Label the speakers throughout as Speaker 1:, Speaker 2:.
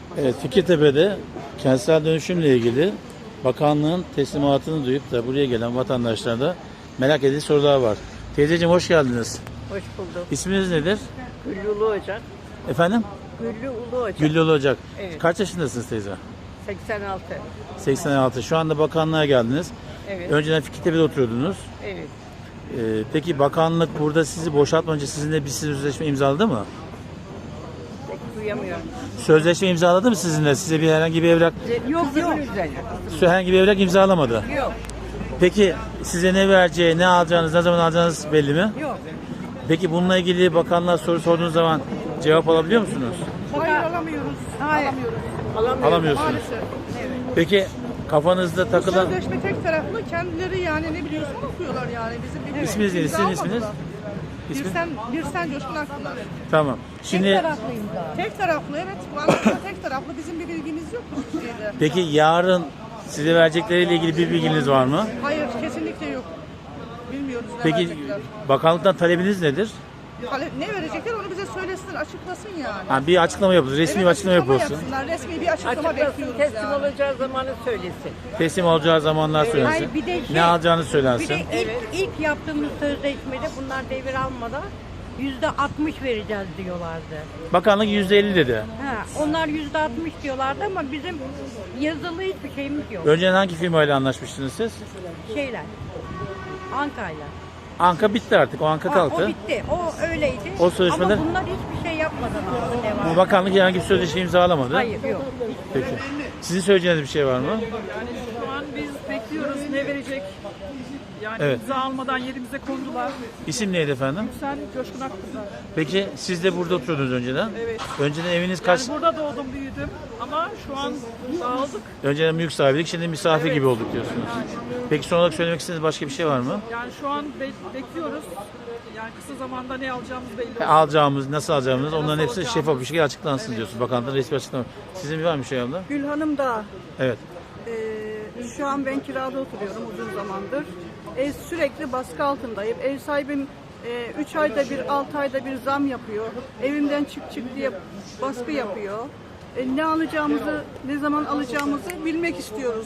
Speaker 1: Evet, Fikirtepe'de kentsel dönüşümle ilgili bakanlığın teslimatını duyup da buraya gelen vatandaşlarda merak edilen sorular var. Teyzeciğim hoş geldiniz.
Speaker 2: Hoş bulduk.
Speaker 1: İsminiz nedir?
Speaker 2: Güllü Ulu Ocak.
Speaker 1: Efendim?
Speaker 2: Güllü Ulu Ocak.
Speaker 1: Güllü Ocak.
Speaker 2: Evet.
Speaker 1: Kaç yaşındasınız teyze?
Speaker 2: 86.
Speaker 1: 86. Şu anda bakanlığa geldiniz.
Speaker 2: Evet.
Speaker 1: Önceden Fikirtepe'de oturuyordunuz.
Speaker 2: Evet.
Speaker 1: Peki bakanlık burada sizi boşaltmadan önce sizinle bir sözleşme imzaladı mı?
Speaker 2: Pek duyamıyorum.
Speaker 1: Sözleşme imzaladı mı sizinle? Size bir herhangi bir evrak,
Speaker 2: Yok yok.
Speaker 1: herhangi bir evrak imzalamadı.
Speaker 2: Yok.
Speaker 1: Peki size ne vereceği, ne alacağınız, ne zaman alacağınız belli mi?
Speaker 2: Yok.
Speaker 1: Peki bununla ilgili bakanlığa soru sorduğunuz zaman cevap alabiliyor musunuz?
Speaker 2: Hayır alamıyoruz. Hayır.
Speaker 1: Alamıyorsunuz.
Speaker 3: Maalesef.
Speaker 1: Peki kafanızda takılan...
Speaker 3: Sözleşme tek taraflı, kendileri yani ne biliyorsun okuyorlar yani bizim bir
Speaker 1: İsminiz neydi? Sizin isminiz? İsmi?
Speaker 3: Birsen Coşkun Akpınar.
Speaker 1: Tamam. Şimdi
Speaker 3: Tek taraflı evet. Vallahi tek taraflı, bizim bir bilgimiz yok bu şeyde.
Speaker 1: peki yarın size verecekleriyle ilgili bir bilginiz var mı?
Speaker 3: Hayır kesinlikle yok. Bilmiyoruz ne
Speaker 1: Peki
Speaker 3: verecekler.
Speaker 1: bakanlıktan talebiniz nedir?
Speaker 3: Ne verecekler onu bize söylesin, açıklasın yani.
Speaker 1: Ha, bir açıklama yapılır, resmi bir açıklama yapılsın.
Speaker 3: yapsınlar, resmi bir açıklama
Speaker 2: Açıklasın,
Speaker 3: bekliyoruz
Speaker 2: teslim
Speaker 3: yani.
Speaker 2: olacağı zamanı söylesin.
Speaker 1: Teslim olacağı zamanlar söylensin.
Speaker 4: Hayır, bir de şey-
Speaker 1: Ne alacağını
Speaker 4: Bir
Speaker 1: söylensin.
Speaker 4: de ilk yaptığımız sözleşmede bunlar devir almadan %60 vereceğiz diyorlardı.
Speaker 1: Bakanlık %50 dedi.
Speaker 4: Ha, onlar %60 diyorlardı ama bizim yazılı hiçbir şeyimiz yok.
Speaker 1: Önceden hangi firmayla anlaşmıştınız siz?
Speaker 4: Şeyler. Anka'yla.
Speaker 1: Anka bitti artık. O Anka
Speaker 4: O
Speaker 1: kalktı.
Speaker 4: bitti. O öyleydi.
Speaker 1: O sözleşmeler-
Speaker 4: Ama bunlar hiçbir şey yapmadan aldı devam.
Speaker 1: Bu bakanlık herhangi bir sözleşme imzalamadı.
Speaker 4: Hayır yok.
Speaker 1: Peki. Sizin söyleyeceğiniz bir şey var mı?
Speaker 5: Şu an biz bekliyoruz ne verecek. Yani
Speaker 1: Evet.
Speaker 5: imza almadan yerimize kondular.
Speaker 1: İsim neydi efendim?
Speaker 5: Sen Coşkun Akpınar.
Speaker 1: Peki siz de burada oturuyordunuz önceden.
Speaker 5: Evet.
Speaker 1: Önceden eviniz kaç?
Speaker 5: Yani burada doğdum büyüdüm ama şu an dağıldık.
Speaker 1: Önceden mülk sahibiydik, şimdi misafir
Speaker 5: Evet.
Speaker 1: gibi olduk diyorsunuz. Peki son olarak söylemek istediğiniz başka bir şey var mı?
Speaker 5: Yani şu an bekliyoruz. Yani kısa zamanda ne alacağımız belli olsun.
Speaker 1: Alacağımız, nasıl alacağımız onların hepsi
Speaker 5: alacağımız.
Speaker 1: şeffaf bir şekilde açıklansın diyorsunuz. Bakanlıktan resmi açıklama. Sizin var mı bir şey abla?
Speaker 6: Gülhanım da
Speaker 1: Evet.
Speaker 6: şu an ben kirada oturuyorum uzun zamandır. Sürekli baskı altındayım. Ev sahibim 3 ayda bir, 6 ayda bir zam yapıyor. Evimden çık diye baskı yapıyor. Ne alacağımızı, ne zaman alacağımızı bilmek istiyoruz.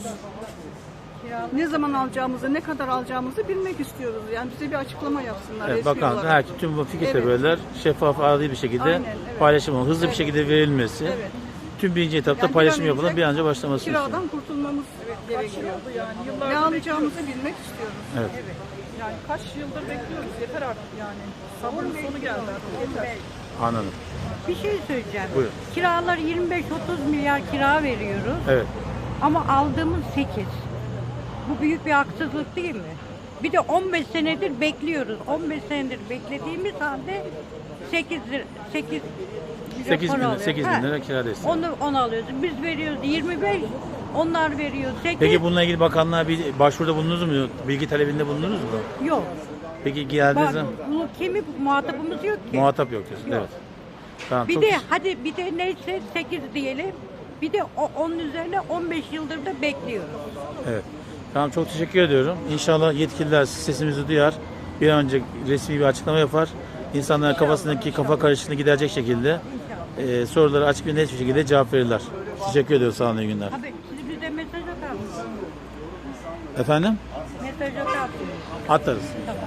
Speaker 6: Ne zaman alacağımızı, ne kadar alacağımızı bilmek istiyoruz. Yani bize bir açıklama yapsınlar.
Speaker 1: Evet,
Speaker 6: resmi
Speaker 1: bakanlık
Speaker 6: olarak.
Speaker 1: herkes tüm bu fikir
Speaker 6: Evet.
Speaker 1: tebeller şeffaf, adil bir şekilde
Speaker 6: Aynen, evet.
Speaker 1: paylaşım, hızlı bir
Speaker 6: Evet.
Speaker 1: şekilde verilmesi.
Speaker 6: Evet.
Speaker 1: Tüm birinci etapta
Speaker 6: Yani bir
Speaker 1: paylaşım
Speaker 6: an önce
Speaker 1: yapılan bir an önce başlaması istiyor.
Speaker 6: Kiradan kurtulmamız gerekiyor.
Speaker 5: Yani
Speaker 6: Ne
Speaker 5: yıllardır
Speaker 6: alacağımızı bilmek istiyoruz.
Speaker 1: Evet.
Speaker 5: yani kaç yıldır bekliyoruz. Yeter artık yani. Sabrın sonu geldi artık. Yeter.
Speaker 1: Anladım.
Speaker 4: Bir şey söyleyeceğim.
Speaker 1: Buyurun.
Speaker 4: Kiralar 25-30 milyar kira veriyoruz.
Speaker 1: Evet.
Speaker 4: Ama aldığımız 8. Bu büyük bir haksızlık değil mi? Bir de 15 senedir bekliyoruz. 15 senedir beklediğimiz halde 8
Speaker 1: 8 bin lira kira desteği.
Speaker 4: Onu alıyoruz. Biz veriyoruz 25, onlar veriyor 8.
Speaker 1: Peki bununla ilgili bakanlığa bir başvuruda bulundunuz mu? Bilgi talebinde bulundunuz mu?
Speaker 4: Yok.
Speaker 1: Peki geldiğiniz
Speaker 4: Bak,
Speaker 1: zaman
Speaker 4: bunu muhatabımız yok ki.
Speaker 1: muhatap yok diyorsun.
Speaker 4: Yok.
Speaker 1: Evet. Tamam,
Speaker 4: Bir
Speaker 1: çok
Speaker 4: de hadi bir de neyse 8 diyelim. Bir de onun üzerine 15 yıldır da bekliyoruz.
Speaker 1: Evet. Tamam, çok teşekkür ediyorum. İnşallah yetkililer sesimizi duyar. Bir an önce resmi bir açıklama yapar. İnsanların kafasındaki kafa karışıklığını giderecek şekilde soruları açık ve net bir şekilde cevap verirler. Teşekkür ediyoruz. Sağ olun, iyi günler.
Speaker 4: Abi siz bize mesaj atar mısınız?
Speaker 1: Efendim?
Speaker 4: Mesaj atar mısınız?
Speaker 1: Atarız.